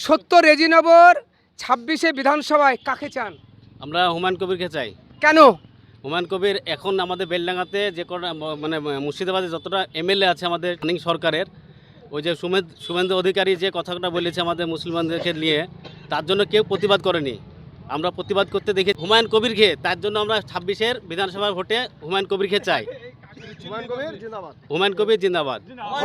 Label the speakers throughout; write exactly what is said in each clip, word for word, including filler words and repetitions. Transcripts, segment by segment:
Speaker 1: সত্তর রেজিনগর ছাব্বিশে বিধানসভায় কাকে চান?
Speaker 2: আমরা হুমায়ুন কবিরকে চাই।
Speaker 1: কেন?
Speaker 2: হুমায়ুন কবির এখন আমাদের বেলডাঙ্গাতে যে কটা মানে মুর্শিদাবাদে যতটা এমএলএ আছে আমাদের রানিং সরকারের, ওই যে সুমেদ শুভেন্দু অধিকারী যে কথাটা বলেছে আমাদের মুসলমানদেরকে নিয়ে, তার জন্য কেউ প্রতিবাদ করেনি। আমরা প্রতিবাদ করতে দেখি হুমায়ুন কবিরকে, তার জন্য আমরা ছাব্বিশের বিধানসভা ভোটে হুমায়ুন কবিরকে চাই। হুমায়ুন কবির জিন্দাবাদ।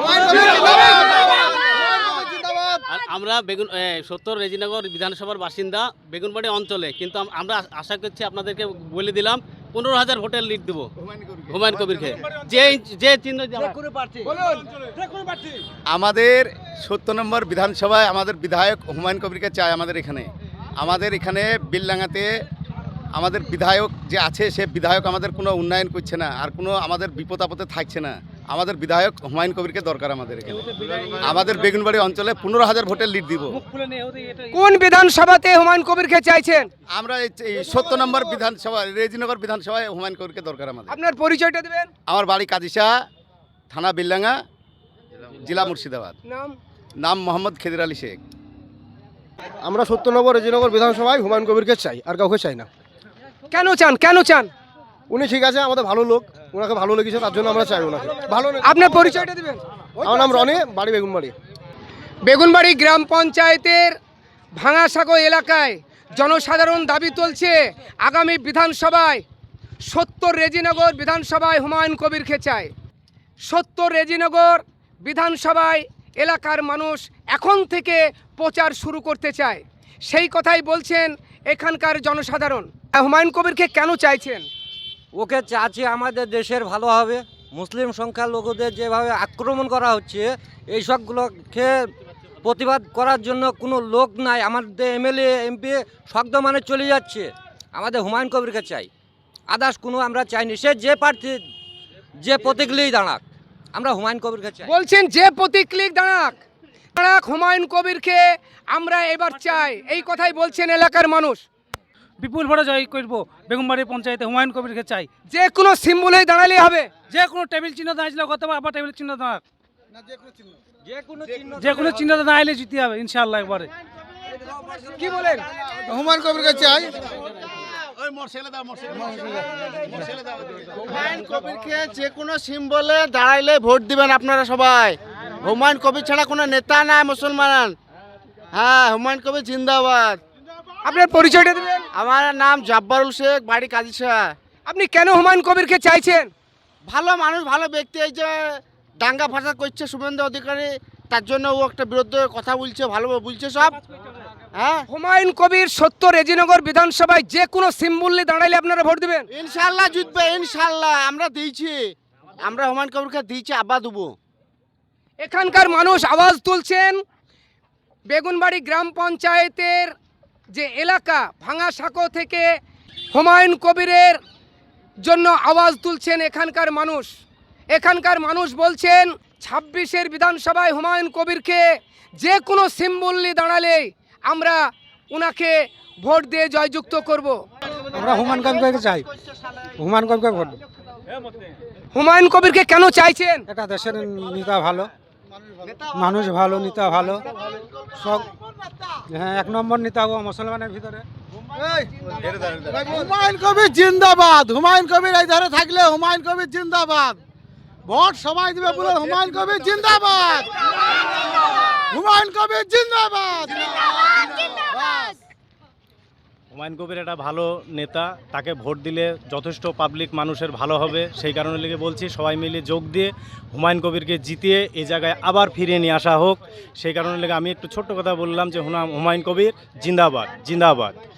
Speaker 2: আর আমরা বেগুন সত্তর রেজিনগর বিধানসভার বাসিন্দা, বেগুনবাড়ি অঞ্চলে, কিন্তু আমরা আশা করছি আপনাদেরকে বলে দিলাম পনেরো হাজার ভোটের লিড দেবো হুমায়ুন কবিরকে, যে যে চিহ্ন।
Speaker 3: আমাদের সত্তর নম্বর বিধানসভায় আমাদের বিধায়ক হুমায়ুন কবিরকে চাই। আমাদের এখানে আমাদের এখানে বিলডাঙ্গাতে আমাদের বিধায়ক যে আছে, সে বিধায়ক আমাদের কোনো উন্নয়ন করছে না, আর কোনো আমাদের বিপদ আপদে থাকছে না। আমাদের বিধায়ক হুমায়ুন কবিরকে দরকার আমাদের এখানে। আমাদের বেগুনবাড়ি অঞ্চলে পনেরো হাজার ভোটের লিড দিব।
Speaker 1: কোন বিধানসভাতে হুমায়ুন কবিরকে চাইছেন?
Speaker 3: আমরা এই সত্তর নম্বর বিধানসভা রেজিনগর বিধানসভায় হুমায়ুন কবিরকে দরকার আমাদের।
Speaker 1: আপনার পরিচয়টা দেবেন?
Speaker 3: আমার বাড়ি কাদিসা, থানা বিলডাঙ্গা, জেলা মুর্শিদাবাদ।
Speaker 1: নাম?
Speaker 3: নাম মোহাম্মদ খেদির আলী শেখ।
Speaker 4: আমরা সত্তর নম্বর রেজিনগর বিধানসভায় হুমায়ুন কবিরকে চাই, আর কাউকে চাই না।
Speaker 1: কেন চান? কেন চান?
Speaker 4: উনি ঠিক আছে, আমাদের ভালো লোক, ওনাকে ভালো লেগেছে, তার জন্য আমরা চাই ওনাকে। ভালো।
Speaker 1: আপনার পরিচয়টা দেবেন?
Speaker 4: আমার নাম রনি, বাড়ি বেগুনবাড়ি।
Speaker 1: বেগুনবাড়ি গ্রাম পঞ্চায়েতের ভাঙাসাগো এলাকায় জনসাধারণ দাবি তুলছে আগামী বিধানসভায় সত্তর রেজিনগর বিধানসভায় হুমায়ুন কবিরকে চায়। সত্তর রেজিনগর বিধানসভায় এলাকার মানুষ এখন থেকে প্রচার শুরু করতে চায়, সেই কথাই বলছেন এখানকার জনসাধারণ। হুমায়ুন কবিরকে কেন চাইছেন?
Speaker 5: ওকে চাচ্ছি আমাদের দেশের ভালো হবে। মুসলিম সংখ্যালঘুদের যেভাবে আক্রমণ করা হচ্ছে, এই সবগুলোকে প্রতিবাদ করার জন্য কোনো লোক নাই। আমাদের এমএলএ এমপি শব্দ মানে চলে যাচ্ছে। আমাদের হুমায়ুন কবিরকে চাই, আদার্স কোনো আমরা চাইনি। সে যে প্রার্থী যে প্রতীকলেই দাঁড়াক, আমরা হুমায়ুন কবিরকে চাই।
Speaker 1: বলছেন যে প্রতীকলিক দাঁড়াক দাঁড়াক হুমায়ুন কবিরকে আমরা এবার চাই, এই কথাই বলছেন এলাকার মানুষ।
Speaker 6: বিপুল ভোটে জয় করবো বেগুনবাড়ি পঞ্চায়েতে হুমায়ুন কবিরকে চাই।
Speaker 1: যে কোনো সিম্বলেই দাঁড়ালেই হবে?
Speaker 6: যে কোনো টেবিল চিহ্ন দাঁড়িয়েছিল গত আবার টেবিল চিহ্ন দাঁড়াক,
Speaker 5: যে
Speaker 6: যে কোনো চিহ্ন দাঁড়াইলে জিতে হবে ইনশাআল্লাহ। একবারে
Speaker 1: কি বলেন?
Speaker 4: হুমায়ুন কবিরকে চাই।
Speaker 7: হুমায়ুন কবিরকে যে কোনো সিম্বলে দাঁড়াইলে ভোট দিবেন আপনারা সবাই। হুমায়ুন কবির ছাড়া কোনো নেতা নাই মুসলমান। হ্যাঁ, হুমায়ুন কবির জিন্দাবাদ।
Speaker 1: আপনার পরিচয়টা দেবেন?
Speaker 7: আমার নাম জাব্বারুল শেখ, বাড়ি কাদিসা।
Speaker 1: আপনি কেন হুমায়ুন কবিরকে চাইছেন?
Speaker 7: ভালো মানুষ, ভালো ব্যক্তি। এই যে দাঙ্গা ফাসাদ করছে শুভেন্দু অধিকারী, তার জন্য ও একটা বিরুদ্ধে কথা বলছে, ভালো বলছে সব। হ্যাঁ,
Speaker 1: হুমায়ুন কবির সত্তর রেজিনগর বিধানসভায় যে কোনো সিম্বলে দাঁড়াইলে আপনারা ভোট দিবেন?
Speaker 7: ইনশাল্লাহ জিতবে, ইনশাল্লাহ। আমরা দিয়েছি, আমরা হুমায়ুন কবিরকে দিয়েছি, আবার দেবো।
Speaker 1: এখানকার মানুষ আওয়াজ তুলছেন। বেগুনবাড়ি গ্রাম পঞ্চায়েতের যে এলাকা ভাঙাসাঁকো থেকে হুমায়ুন কবিরের জন্য আওয়াজ তুলছেন এখানকার মানুষ। এখানকার মানুষ বলছেন ছাব্বিশের বিধানসভায় হুমায়ুন কবিরকে যে কোনো সিম্বলে দাঁড়ালে আমরা ওনাকে ভোট দিয়ে জয়যুক্ত করব।
Speaker 4: আমরা হুমায়ুন কবিরকে চাই, হুমায়ুন কবিরকে ভোট।
Speaker 1: হুমায়ুন কবিরকে কেন চাইছেন?
Speaker 4: এটা দেশের নেতা ভালো, মানুষ ভালো, নেতা ভালো, সব। হ্যাঁ, এক নম্বর নেতা ও মুসলমানের ভিতরে।
Speaker 7: হুমায়ুন কবির জিন্দাবাদ। হুমায়ুন কবির এই ধারে থাকলে হুমায়ুন কবির জিন্দাবাদ। ভোট সবাই দিবে বলে হুমায়ুন কবির জিন্দাবাদ। হুমায়ুন কবির জিন্দাবাদ।
Speaker 8: হুমায়ুন কবির একটা ভালো নেতা, তাকে ভোট দিলে যথেষ্ট পাবলিক মানুষের ভালো হবে। সেই কারণে লেগে বলছি সবাই মিলে যোগ দিয়ে হুমায়ুন কবিরকে জিতিয়ে এই জায়গায় আবার ফিরিয়ে নিয়ে আসা হোক। সেই কারণে লেগে আমি একটু ছোট্ট কথা বললাম যে হুমায়ুন কবির জিন্দাবাদ, জিন্দাবাদ।